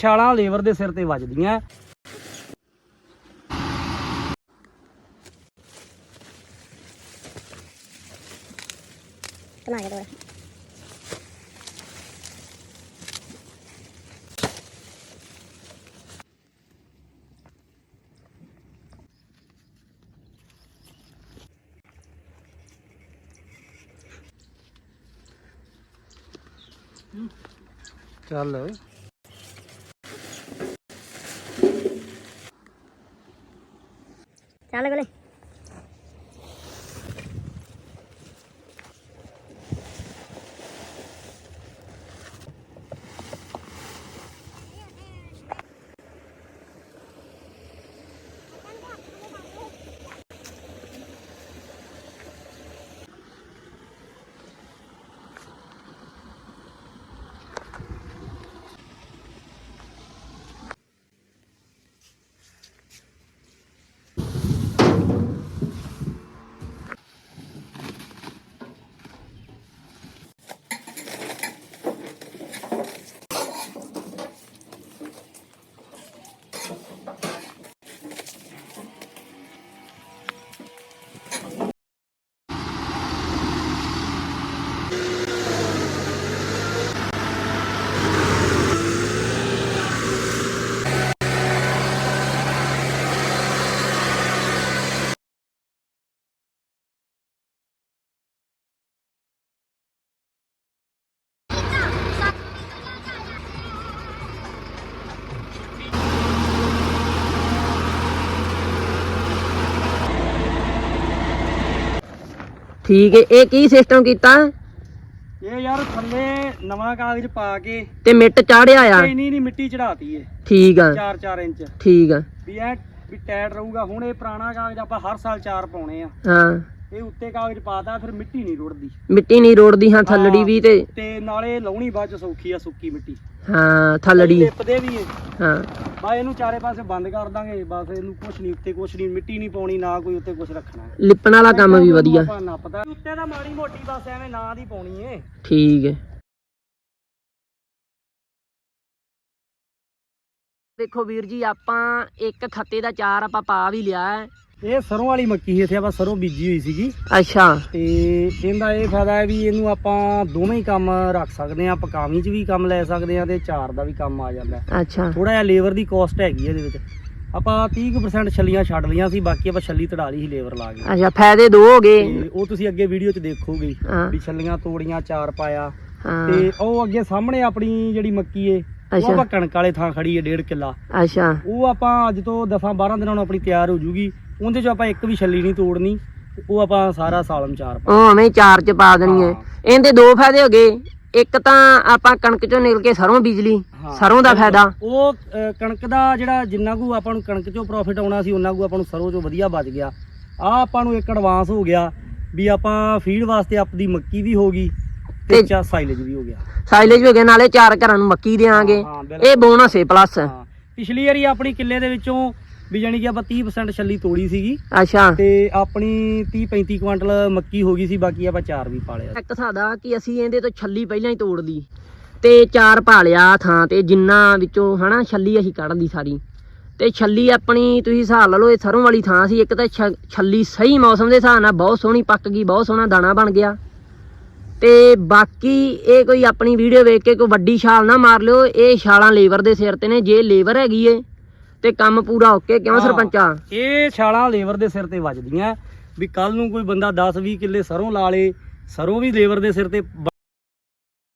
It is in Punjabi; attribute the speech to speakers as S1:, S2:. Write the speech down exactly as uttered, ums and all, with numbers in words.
S1: ਛਾਲਾਂ ਲੇਬਰ ਦੇ ਸਿਰ ਤੇ ਵੱਜਦੀਆਂ। ਚੱਲ
S2: ਚੱਲ ਗਲੇ
S3: ਠੀਕ ਹੈ। ਇਹ ਕੀ ਸਿਸਟਮ ਕੀਤਾ?
S1: ਇਹ ਯਾਰ ਥੱਲੇ ਨਵਾਂ ਕਾਗਜ਼ ਪਾ ਕੇ
S3: ਤੇ ਮਿੱਟ ਚਾੜਿਆ ਆ?
S1: ਨਹੀਂ ਨਹੀਂ ਮਿੱਟੀ ਚੜਾਤੀ ਏ।
S3: ਠੀਕ ਆ,
S1: ਚਾਰ ਚਾਰ ਇੰਚ।
S3: ਠੀਕ ਆ
S1: ਵੀ ਇਹ ਵੀ ਟਾਇਟ ਰਹੂਗਾ। ਹੁਣ ਇਹ ਪੁਰਾਣਾ ਕਾਗਜ਼ ਆਪਾਂ ਹਰ ਸਾਲ ਚਾਰ ਪਾਉਣੇ ਆ।
S3: ਹਾਂ,
S1: ਇਹ ਉੱਤੇ ਕਾਗਜ਼ ਪਾਤਾ ਫਿਰ ਮਿੱਟੀ ਨਹੀਂ ਰੁੜਦੀ।
S3: ਮਿੱਟੀ ਨਹੀਂ ਰੋੜਦੀ। ਹਾਂ, ਥੱਲੜੀ ਵੀ ਤੇ
S1: ਤੇ ਨਾਲੇ ਲਾਉਣੀ ਬਾਅਦ ਚ ਸੌਖੀ ਆ, ਸੁੱਕੀ ਮਿੱਟੀ।
S3: ਹਾਂ, ਥੱਲੜੀ
S1: ਲਿਪਦੇ ਵੀ ਏ।
S3: ਹਾਂ,
S1: ਬਾ ਇਹਨੂੰ ਚਾਰੇ ਪਾਸੇ ਬੰਦ ਕਰ ਦਾਂਗੇ ਬਸ। ਇਹਨੂੰ ਕੁਛ ਨਹੀਂ, ਉੱਤੇ ਕੁਛ ਨਹੀਂ, ਮਿੱਟੀ ਨਹੀਂ ਪਾਉਣੀ, ਨਾ ਕੋਈ ਉੱਤੇ ਕੁਛ ਰੱਖਣਾ।
S3: ਲਿਪਣ ਵਾਲਾ ਕੰਮ ਵੀ ਵਧੀਆ।
S1: ਨੱਪਦਾ ਉੱਤੇ ਤਾਂ ਮਾੜੀ ਮੋਟੀ ਬਸ ਐਵੇਂ ਨਾਂ ਦੀ ਪਾਉਣੀ ਏ।
S3: ਠੀਕ ਹੈ। ਦੇਖੋ ਵੀਰ ਜੀ, ਆਪਾਂ ਇੱਕ ਖੱਤੇ ਦਾ ਚਾਰ ਆਪਾਂ ਪਾ ਵੀ ਲਿਆ ਹੈ।
S1: ਇਹ ਸਰੋਂ ਵਾਲੀ ਮੱਕੀ ਸੀ, ਇੱਥੇ ਆਪਾਂ ਸਰੋਂ ਬੀਜੀ ਹੋਈ ਸੀਗੀ।
S3: ਅੱਛਾ।
S1: ਤੇ ਇਹਦਾ ਇਹ ਫਾਇਦਾ ਹੈ ਵੀ ਇਹਨੂੰ ਆਪਾਂ ਦੋਵੇਂ ਹੀ ਕੰਮ ਰੱਖ ਸਕਦੇ ਆ। ਪਕਾਵੀ ਚ ਵੀ ਕੰਮ ਲੈ ਸਕਦੇ ਆ ਤੇ ਚਾਰ ਦਾ ਵੀ ਕੰਮ ਆ ਜਾਂਦਾ।
S3: ਅੱਛਾ।
S1: ਥੋੜਾ ਜਿਹਾ ਲੇਬਰ ਦੀ ਕੋਸਟ ਹੈਗੀ ਇਹਦੇ ਵਿੱਚ। ਆਪਾਂ ਤੀਹ ਕੁ ਪਰਸੈਂਟ ਛੱਲੀਆਂ ਛੱਡ ਲਈਆਂ ਸੀ, ਬਾਕੀ ਆਪਾਂ ਛੱਲੀ ਤੜਾ ਲਈ ਸੀ ਲੇਬਰ ਲਾ ਕੇ।
S3: ਅੱਛਾ, ਫਾਇਦੇ ਦੋ ਹੋ ਗਏ।
S1: ਤੇ ਉਹ ਤੁਸੀਂ ਅੱਗੇ ਵੀਡੀਓ ਚ ਦੇਖੋਗੇ ਵੀ ਛੱਲੀਆਂ ਤੋੜੀਆਂ, ਚਾਰ ਪਾਇਆ।
S3: ਹਾਂ।
S1: ਤੇ ਉਹ ਅੱਗੇ ਸਾਹਮਣੇ ਆਪਣੀ ਜਿਹੜੀ ਮੱਕੀ ਏ, ਉਹ ਆਪਾਂ ਕਣਕ ਵਾਲੇ ਥਾਂ ਖੜੀ ਏ ਡੇਢ ਕਿੱਲਾ।
S3: ਅੱਛਾ।
S1: ਉਹ ਆਪਾਂ ਅੱਜ ਤੋਂ ਦਸਾਂ ਬਾਰਾਂ ਦਿਨਾਂ ਨੂੰ ਆਪਣੀ ਤਿਆਰ ਹੋ ਜੂਗੀ। ਉਹਦੇ ਚ ਆਪਾਂ ਇੱਕ ਵੀ ਛੱਲੀ ਨਹੀਂ ਤੋੜਨੀ। ਉਹ ਆਪਾਂ ਸਾਰਾ ਸਾਲਮ ਚਾਰ ਪਾ
S3: ਉਹ ਐਵੇਂ ਚਾਰ ਚ ਪਾ ਦੇਣੀ ਹੈ। ਇਹਦੇ ਦੋ ਫਾਇਦੇ ਹੋ ਗਏ। ਇੱਕ ਤਾਂ ਆਪਾਂ ਕਣਕ ਚੋਂ ਨਿਕਲ ਕੇ ਸਰੋਂ ਬੀਜ ਲਈ, ਸਰੋਂ ਦਾ ਫਾਇਦਾ।
S1: ਉਹ ਕਣਕ ਦਾ ਜਿਹੜਾ ਜਿੰਨਾ ਕੁ ਆਪਾਂ ਨੂੰ ਕਣਕ ਚੋਂ ਪ੍ਰੋਫਿਟ ਆਉਣਾ ਸੀ, ਉਹਨਾਂ ਕੁ ਆਪਾਂ ਨੂੰ ਸਰੋਂ ਚੋਂ ਵਧੀਆ ਬਚ ਗਿਆ। ਆ ਆਪਾਂ ਨੂੰ ਇੱਕ ਐਡਵਾਂਸ ਹੋ ਗਿਆ ਵੀ ਆਪਾਂ ਫੀਡ ਵਾਸਤੇ ਆਪਦੀ ਮੱਕੀ ਵੀ ਹੋ ਗਈ ਤੇ ਚਾ ਸਾਈਲੇਜ ਵੀ ਹੋ ਗਿਆ।
S3: ਸਾਈਲੇਜ ਹੋ ਗਿਆ, ਨਾਲੇ ਚਾਰ ਘਰਾਂ ਨੂੰ ਮੱਕੀ ਦੇਾਂਗੇ। ਇਹ ਬੋਨਸ ਹੈ ਪਲੱਸ।
S1: ਪਿਛਲੀ ਵਾਰੀ ਆਪਣੀ ਕਿੱਲੇ ਦੇ ਵਿੱਚੋਂ ਵੀ ਜਾਨੀ ਕਿ ਆਪਾਂ ਤੀਹ ਪਰਸੈਂਟ ਛੱਲੀ ਤੋੜੀ ਸੀਗੀ।
S3: ਅੱਛਾ।
S1: ਤੇ ਆਪਣੀ ਤੀਹ ਪੈਂਤੀ ਕੁਆਂਟਲ ਮੱਕੀ ਹੋ ਗਈ ਸੀ, ਬਾਕੀ ਆਪਾਂ ਚਾਰ ਵੀ ਪਾ ਲਿਆ।
S3: ਇੱਕ ਸਾਦਾ ਕਿ ਅਸੀਂ ਇਹਦੇ ਤੋਂ ਛੱਲੀ ਪਹਿਲਾਂ ਹੀ ਤੋੜ ਲਈ ਤੇ ਚਾਰ ਪਾ ਲਿਆ ਥਾਂ ਤੇ, ਜਿੰਨਾ ਵਿੱਚੋਂ ਹਨਾ ਛੱਲੀ ਅਸੀਂ ਕੱਢ ਲਈ ਸਾਰੀ। ਤੇ ਛੱਲੀ ਆਪਣੀ ਤੁਸੀਂ ਹਿਸਾਬ ਲਾ ਲਓ, ਇਹ ਸਰੋਂ ਵਾਲੀ ਥਾਂ ਸੀ। ਇੱਕ ਤਾਂ ਛੱਲੀ ਸਹੀ ਮੌਸਮ ਦੇ ਹਿਸਾਬ ਨਾਲ ਬਹੁਤ ਸੋਹਣੀ ਪੱਕ ਗਈ, ਬਹੁਤ ਸੋਹਣਾ ਦਾਣਾ ਬਣ ਗਿਆ। ਤੇ ਬਾਕੀ ਇਹ ਕੋਈ ਆਪਣੀ ਵੀਡੀਓ ਵੇਖ ਕੇ ਕੋਈ ਵੱਡੀ ਛਾਲ ਨਾ ਮਾਰ ਲਿਓ। ਇਹ ਛਾਲਾਂ ਲੇਬਰ ਦੇ ਸਿਰ ਤੇ ਨੇ। ਜੇ ਲੇਬਰ ਹੈਗੀ ਏ ਤੇ ਕੰਮ ਪੂਰਾ ਓਕੇ। ਕਿਉਂ ਸਰਪੰਚਾ?
S1: ਇਹ ਛਾਲਾਂ ਲੇਬਰ ਦੇ ਸਿਰ ਤੇ ਵੱਜਦੀਆਂ ਵੀ ਕੱਲ ਨੂੰ ਕੋਈ ਬੰਦਾ ਦਸ ਵੀਹ ਕਿੱਲੇ ਸਰੋਂ ਲਾ ਲੇ, ਸਰੋਂ ਵੀ ਲੇਬਰ ਦੇ ਸਿਰ ਤੇ